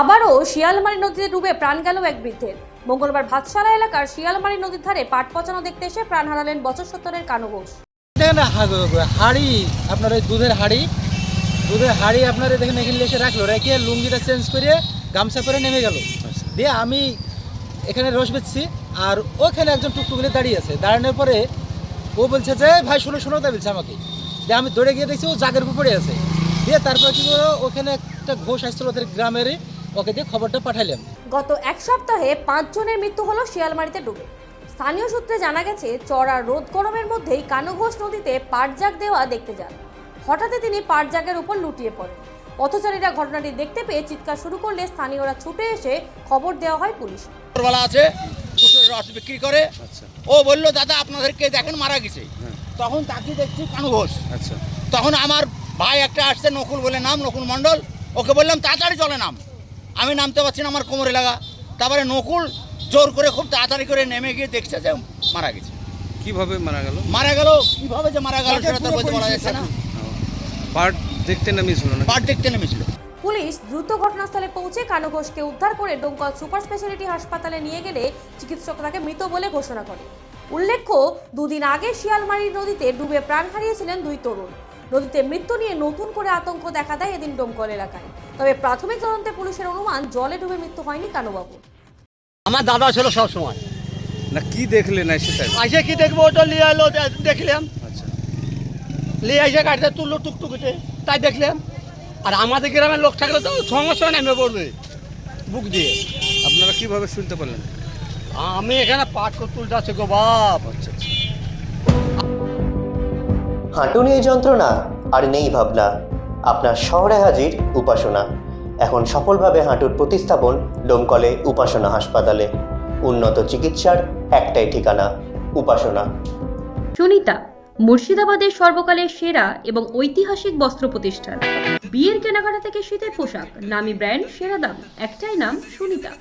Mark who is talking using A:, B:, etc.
A: আবারও শিয়ালমারি নদীতে ডুবে প্রাণ গেল এক বৃদ্ধের। মঙ্গলবার ভাতশালা এলাকার শিয়ালমারি নদীর ধারে পাট পচানো দেখতে এসে প্রাণ হারালেন বছর 70-এর কানু ঘোষ।
B: হাড়ি আপনার ওই দুধের হাড়ি আপনারা দেখেন এখানে এসে রাখলো, রেখে লুঙ্গিটা চেঞ্জ করে গামছা করে নেমে গেল। দিয়ে আমি এখানে রস বেচছি, আর ওখানে একজন টুকটুকুলে দাঁড়িয়ে আছে। দাঁড়ানোর পরে ও বলছে যে ভাই শোনো তাই বলছে আমাকে। দিয়ে আমি দৌড়ে গিয়ে দেখছি ও জাগের উপর পড়ে আছে। দিয়ে তারপর কি করলো, ওখানে একটা ঘোষ আসছিল ওদের গ্রামেরই, ওকে দিয়ে খবরটা পাঠাইলাম।
A: গত এক সপ্তাহে 5 জনের মৃত্যু হলো শিয়ালমারিতে ডুবে। স্থানীয় সূত্রে জানা গেছে, চড়া রোদ গরমের মধ্যেই কানু ঘোষ নদীতে পাটজাগ দেওয়া দেখতে যান। হঠাৎই তিনি পাটজাগের উপর লুটিয়ে পড়েন। পথচারীরা ঘটনাটি দেখতে পেয়ে চিৎকার শুরু করলে স্থানীয়রা ছুটে এসে খবর দেওয়া হয় পুলিশ।
C: আছে কুসুরের রস বিক্রি করে। ও বললো দাদা আপনাদেরকে দেখেন মারা গেছে। তখন তাকে দেখছি কানু ঘোষ। তখন আমার ভাই একটা আসছে, নকুল বলে নাম, নকুল মণ্ডল। ওকে বললাম তাড়াতাড়ি চলে নাম। আমি নামতে পারছি না, আমার কোমরে লাগা। তারপরে নকুল জোর করে খুব তাড়াতাড়ি করে নেমে গিয়ে দেখছে যে মারা গেছে।
D: কিভাবে মারা গেল?
C: কিভাবে যে মারা গেল সেটা তো বলতে বলা যাচ্ছে না।
D: পাট দেখতে নেমেছিল না?
C: পাট দেখতে নেমেছিল।
A: পুলিশ দ্রুত ঘটনাস্থলে পৌঁছে কানু ঘোষকে উদ্ধার করে ডোমকল সুপার স্পেশালিটি হাসপাতালে নিয়ে গেলে চিকিৎসক তাকে মৃত বলে ঘোষণা করে। উল্লেখ্য, দুদিন আগে শিয়ালমারি নদীতে ডুবে প্রাণ হারিয়েছিলেন 2 তরুণ। নদীতে মৃত্যু নিয়ে নতুন করে আতঙ্ক দেখা দেয় এদিন ডোমকল এলাকায়। তবে প্রাথমিক তদন্তে পুলিশের অনুমান, জলে ডুবে মৃত্যু হয়নি কানুবাবু।
C: আমার দাদা ছিল সব সময়।
D: না কি দেখলেন সেটা?
C: আইসে কি দেখবো, ওটা নিয়ে এলো, দেখলাম।
D: আচ্ছা,
C: নিয়ে এসে গাড়িতে তুললো টুকটুকিতে, তাই দেখলাম। আর আমাদের গ্রামের লোক থাকলে তো সঙ্গে সঙ্গে নেমে পড়বে বুক দিয়ে।
D: আপনারা কিভাবে শুনতে পারলেন?
C: আমি এখানে পাট করে তুলতে আছি গো বাপ।
D: আচ্ছা,
E: হাঁটু নিয়ে যন্ত্রণা আর নেই ভাবনা, আপনার শহরে হাজির উপাসনা। এখন সফলভাবে হাঁটুর প্রতিস্থাপন ডোমকলে উপাসনা হাসপাতালে। উন্নত চিকিৎসার একটাই ঠিকানা, উপাসনা।
F: সুনিতা, মুর্শিদাবাদের সর্বকালের সেরা এবং ঐতিহাসিক বস্ত্র প্রতিষ্ঠান। বিয়ের কেনাকাটা থেকে শীতের পোশাক, নামি ব্র্যান্ড, সেরা দাম, একটাই নাম সুনিতা।